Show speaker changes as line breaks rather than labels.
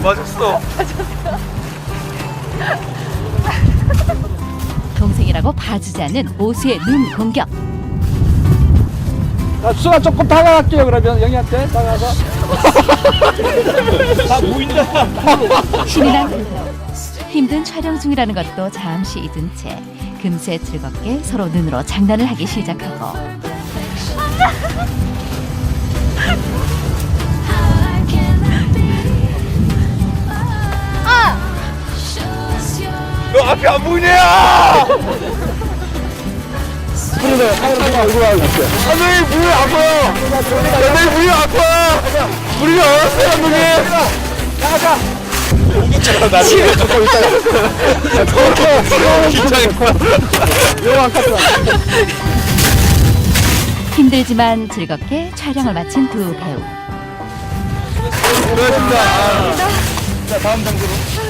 맞았어.
동생이라고 봐주지 않는 오수의 눈 공격.
나 수가 조금 다가갈게요. 그러면 영희한테 다가가서. 다 보인다.
신이 난 후. 힘든 촬영 중이라는 것도 잠시 잊은 채 금세 즐겁게 서로 눈으로 장난을 하기 시작하고
너 앞이 안 보이냐?
그러네. 카메라 얼굴 하고 있어요.
선생님 물이 아파요. 선생님 물이 아파. 물이 얼었어요 감독님.
나가자.
공격자가 나를
조금 있다가.
긴장했어.
요한 카트.
힘들지만 즐겁게 촬영을 마친 두 배우.
수고하셨습니다. 자 다음 장소로.